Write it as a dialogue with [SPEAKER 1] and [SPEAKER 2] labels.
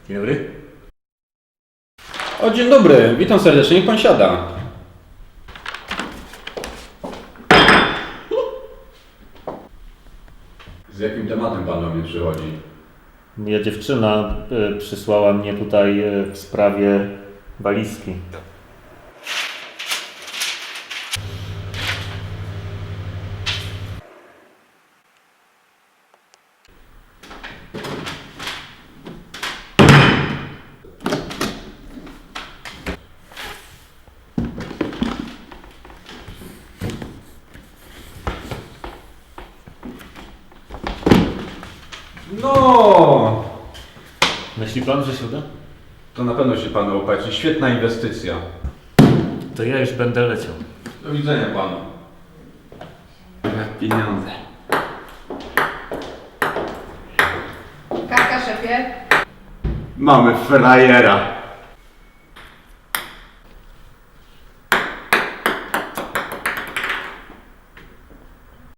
[SPEAKER 1] Dzień dobry.
[SPEAKER 2] O, dzień dobry, witam serdecznie, niech pan siada. Z jakim tematem pan do mnie przychodzi?
[SPEAKER 1] Moja dziewczyna przysłała mnie tutaj w sprawie walizki.
[SPEAKER 2] No,
[SPEAKER 1] Myśli pan, że się uda?
[SPEAKER 2] to na pewno się panu opłaci. Świetna inwestycja.
[SPEAKER 1] To ja już będę leciał.
[SPEAKER 2] Do widzenia panu. Pieniądze.
[SPEAKER 3] Karka, szefie.
[SPEAKER 2] Mamy frajera.